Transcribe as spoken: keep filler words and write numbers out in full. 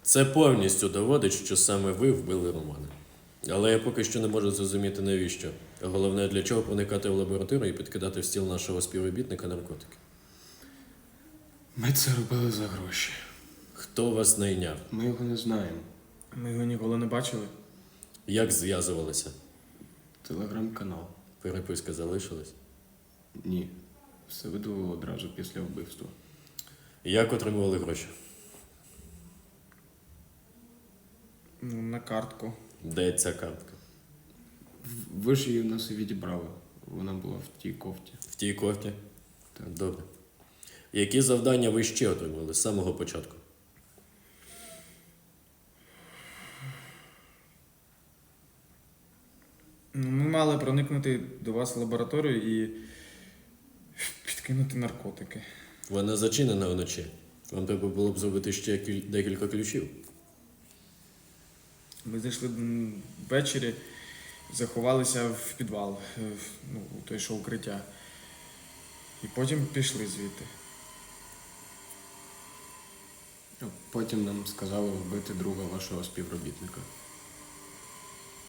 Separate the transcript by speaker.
Speaker 1: Це повністю доводить, що саме ви вбили Романа. Але я поки що не можу зрозуміти, навіщо. А головне, для чого проникати в лабораторію і підкидати в стіл нашого співробітника наркотики.
Speaker 2: Ми це робили за гроші.
Speaker 1: Хто вас найняв?
Speaker 2: Ми його не знаємо.
Speaker 3: Ми його ніколи не бачили.
Speaker 1: Як зв'язувалися?
Speaker 2: Телеграм-канал.
Speaker 1: Переписка залишилась?
Speaker 2: Ні. Все видало одразу після вбивства.
Speaker 1: Як отримували гроші?
Speaker 3: Ну, на картку.
Speaker 1: Де ця картка?
Speaker 2: В- Ви ж її у нас і відібрали. Вона була в тій кофті.
Speaker 1: В тій кофті?
Speaker 2: Так.
Speaker 1: Добре. Які завдання ви ще отримали з самого початку?
Speaker 3: Ну, ми мали проникнути до вас в лабораторію і підкинути наркотики.
Speaker 1: Вона зачинена вночі. Вам треба було б зробити ще кіль- декілька ключів.
Speaker 3: Ми зайшли м, ввечері, заховалися в підвал, е, в- ну, у той, що укриття. І потім пішли звідти.
Speaker 2: А Потім нам сказали вбити друга вашого співробітника.